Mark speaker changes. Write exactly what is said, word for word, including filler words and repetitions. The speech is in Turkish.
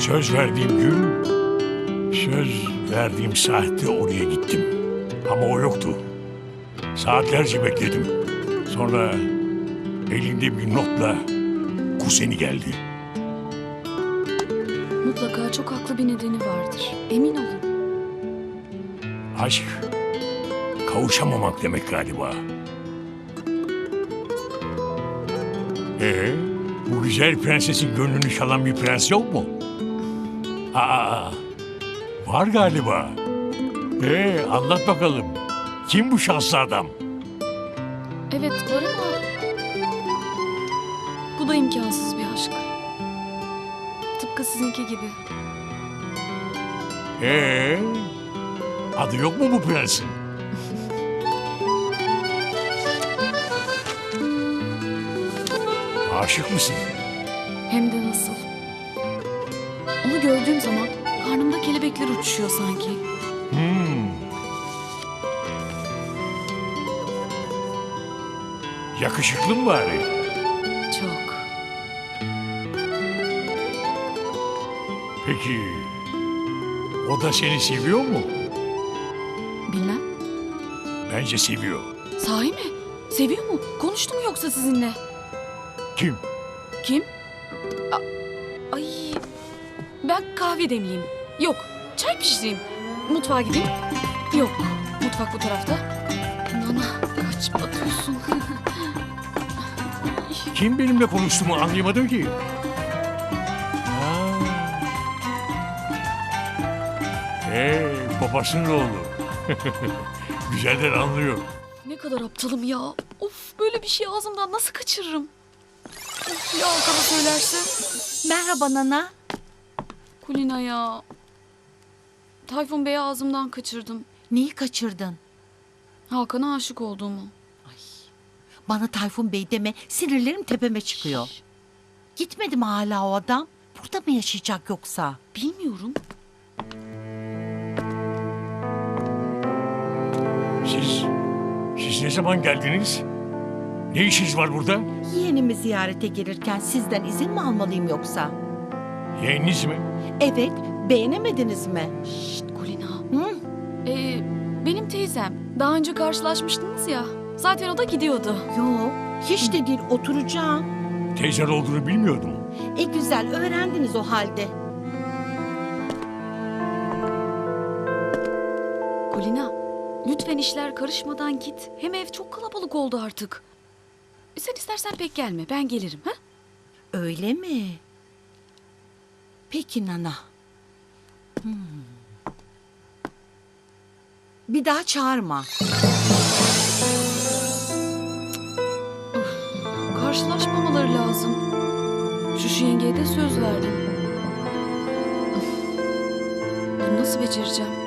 Speaker 1: Söz verdiğim gün, söz verdiğim saatte oraya gittim. Ama o yoktu. Saatlerce bekledim. Sonra elinde bir notla kuzeni geldi.
Speaker 2: Mutlaka çok haklı bir nedeni vardır. Emin olun.
Speaker 1: Aşk, kavuşamamak demek galiba. Ee, bu güzel prensesin gönlünü çalan bir prens yok mu? Aa, var galiba. Ee, anlat bakalım. Kim bu şanslı adam?
Speaker 2: Evet var ama... Bu da imkansız bir aşk. Tıpkı sizinki gibi.
Speaker 1: Ee, adı yok mu bu prensin? Aşık mısın?
Speaker 2: Hem de nasıl. Onu gördüğüm zaman karnımda kelebekler uçuşuyor sanki.
Speaker 1: Hmm. Yakışıklı mı bari?
Speaker 2: Çok.
Speaker 1: Peki, o da seni seviyor mu?
Speaker 2: Bilmem.
Speaker 1: Bence seviyor.
Speaker 2: Sahi mi? Seviyor mu? Konuştu mu yoksa sizinle?
Speaker 1: Kim?
Speaker 2: Kim? A- Ay. Ben kahve demleyeyim. Yok. Çay pişireyim. Mutfağa gideyim. Yok. Mutfak bu tarafta. Nana kaç batıyorsun.
Speaker 1: Kim benimle konuştuğumu anlayamadım ki. Ha. Hey, babasının oğlu. Güzelden anlıyor.
Speaker 2: Ne kadar aptalım ya. Of, böyle bir şey ağzımdan nasıl kaçırırım? Of, ya Hakan'a söylerse?
Speaker 3: Merhaba Nana.
Speaker 2: Kulina ya. Tayfun Bey'i ağzımdan kaçırdım.
Speaker 3: Neyi kaçırdın?
Speaker 2: Hakan'a aşık olduğumu.
Speaker 3: Bana Tayfun Bey deme, sinirlerim tepeme çıkıyor. Gitmedi mi hala o adam? Burada mı yaşayacak yoksa?
Speaker 2: Bilmiyorum.
Speaker 1: Siz, siz ne zaman geldiniz? Ne işiniz var burada?
Speaker 3: Yeğenimi ziyarete gelirken sizden izin mi almalıyım yoksa?
Speaker 1: Yeğeniniz mi?
Speaker 3: Evet, beğenemediniz mi?
Speaker 2: Şşt Kulina.
Speaker 3: Hı?
Speaker 2: Ee, benim teyzem. Daha önce karşılaşmıştınız ya. Zaten o da gidiyordu.
Speaker 3: Yok, hiç de değil, oturacağım.
Speaker 1: Teyzen olduğunu bilmiyordum.
Speaker 3: E güzel, öğrendiniz o halde.
Speaker 2: Kulina, lütfen işler karışmadan git. Hem ev çok kalabalık oldu artık. Sen istersen pek gelme, ben gelirim. Ha?
Speaker 3: Öyle mi? Peki Nana. Hmm. Bir daha çağırma.
Speaker 2: Karşılaşmamaları lazım. Şu şu yengeye de söz verdim. Bunu nasıl becereceğim?